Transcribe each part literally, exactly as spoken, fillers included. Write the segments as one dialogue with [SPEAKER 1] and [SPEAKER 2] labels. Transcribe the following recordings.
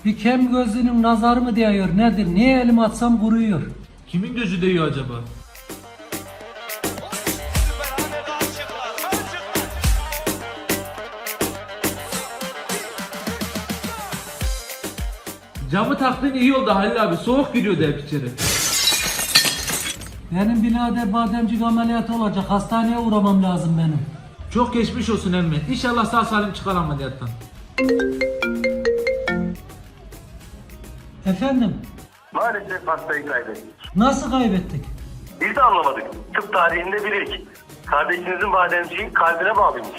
[SPEAKER 1] Bir kem gözlünün nazarı mı değiyor nedir? Niye elimi atsam kuruyor?
[SPEAKER 2] Kimin gözü değiyor acaba? Camı taktığın iyi oldu Halil abi. Soğuk giriyordu hep içeri.
[SPEAKER 1] Benim birader bademcik ameliyatı olacak. Hastaneye uğramam lazım benim.
[SPEAKER 2] Çok geçmiş olsun emmi. İnşallah sağ salim çıkar ameliyattan.
[SPEAKER 1] Efendim?
[SPEAKER 3] Maalesef hastayı kaybettik.
[SPEAKER 1] Nasıl kaybettik?
[SPEAKER 3] Biz de anlamadık. Tıp tarihinde bir ilk. Kardeşinizin bademciği kalbine bağlıymış.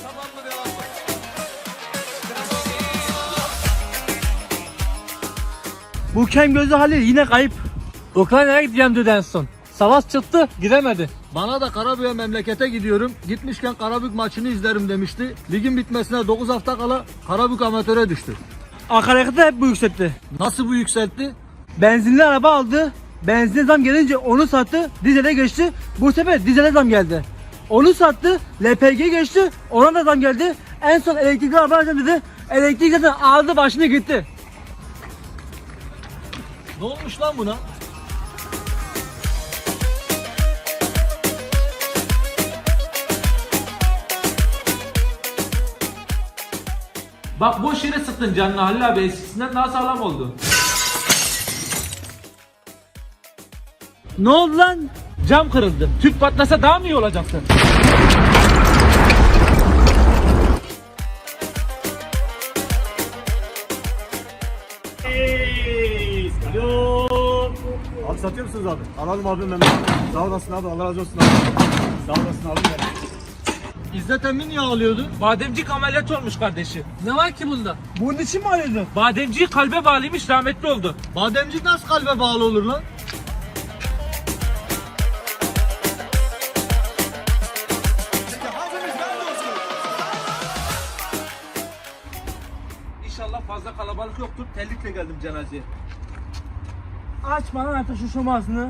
[SPEAKER 4] Bu kem gözlü Halil yine kayıp.
[SPEAKER 2] Ukrayna'ya gideceğim dedi en son. Savaş çıktı, gidemedi. Bana da Karabük'e memlekete gidiyorum. Gitmişken Karabük maçını izlerim demişti. Ligin bitmesine dokuz hafta kala Karabük amatöre düştü.
[SPEAKER 4] Akaryakıtı hep bu yükseltti.
[SPEAKER 2] Nasıl bu yükseltti?
[SPEAKER 4] Benzinli araba aldı. Benzine zam gelince onu sattı. Dizele geçti. Bu sefer dizele zam geldi. Onu sattı. L P G geçti. Ona da zam geldi. En son elektrikli araba alacağım dedi. Elektrik zaten aldı başını gitti.
[SPEAKER 2] Ne olmuş lan buna? Bak boş yere sıktın canını Halil abi, eskisinden daha sağlam oldu.
[SPEAKER 4] Ne oldu lan?
[SPEAKER 2] Cam kırıldı. Tüp patlasa daha mı iyi olacaksın?
[SPEAKER 5] Abi satıyor musunuz abi? Alalım abi ben. Sağ olasın abi, Allah razı olsun abi. Sağ olasın abi.
[SPEAKER 2] İzzet Emin niye ağlıyordu? Bademcik ameliyat olmuş kardeşi. Ne var ki bunda?
[SPEAKER 4] Bunun için mi arıyordun?
[SPEAKER 2] Bademciği kalbe bağlıymış, rahmetli oldu.
[SPEAKER 4] Bademcik nasıl kalbe bağlı olur lan?
[SPEAKER 2] İnşallah fazla kalabalık yoktur. Terlikle geldim cenazeye.
[SPEAKER 4] Açma lan artık şu şomasını.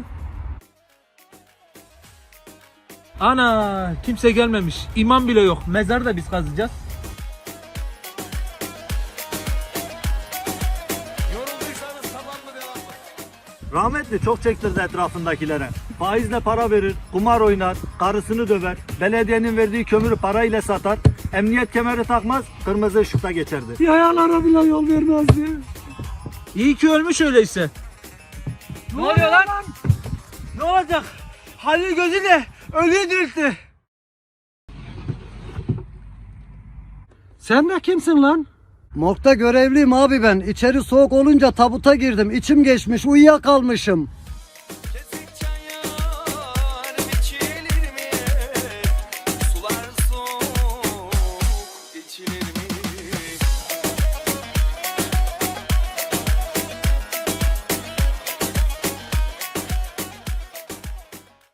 [SPEAKER 2] Ana, kimse gelmemiş. İmam bile yok. Mezarı da biz kazacağız.
[SPEAKER 5] Rahmetli çok çektirdi etrafındakilere. Faizle para verir, kumar oynar, karısını döver, belediyenin verdiği kömürü parayla satar, emniyet kemeri takmaz, kırmızı ışıkta geçerdi.
[SPEAKER 4] Yayalara bile yol vermezdi.
[SPEAKER 2] İyi ki ölmüş öyleyse.
[SPEAKER 4] Ne oluyor lan? Ne olacak? Halil gözüyle ölüyü diriltti.
[SPEAKER 1] Sen de kimsin lan?
[SPEAKER 6] Morgda görevliyim abi ben. İçeri soğuk olunca tabuta girdim. İçim geçmiş, uyuyakalmışım.